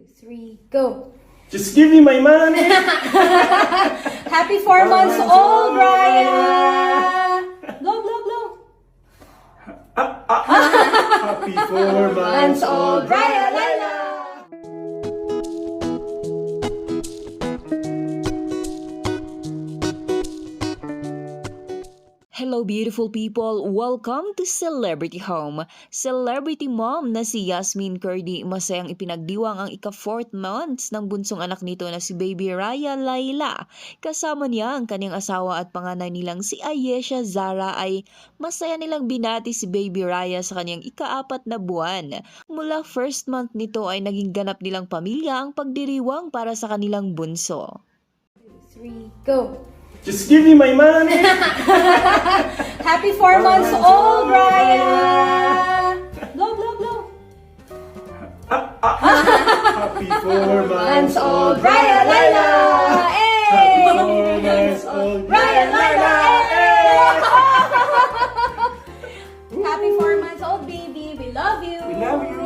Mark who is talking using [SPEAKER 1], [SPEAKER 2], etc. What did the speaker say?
[SPEAKER 1] 3, go.
[SPEAKER 2] Just give me my money.
[SPEAKER 1] Happy 4 months old, Raya! Blow, blow, blow.
[SPEAKER 2] Happy 4 months old,
[SPEAKER 1] Raya, Laila!
[SPEAKER 3] Hello beautiful people! Welcome to Celebrity Home. Celebrity mom na si Yasmin Curdy masayang ipinagdiwang ang ika-4th months ng bunsong anak nito na si baby Raya Laila. Kasama niya ang kanyang asawa at panganay nilang si Ayesha Zara ay masaya nilang binati si baby Raya sa kanyang ika-4 na buwan. Mula first month nito ay naging ganap nilang pamilya ang pagdiriwang para sa kanilang bunso.
[SPEAKER 1] 3, go.
[SPEAKER 2] Just give me my money.
[SPEAKER 1] Happy 4 months old, Raya! Blow, blow, blow.
[SPEAKER 2] Happy 4 months old,
[SPEAKER 1] Raya, Laila!
[SPEAKER 2] Happy 4 months old,
[SPEAKER 1] Raya, Laila! Happy 4 months old, baby. We love you.
[SPEAKER 2] We love you.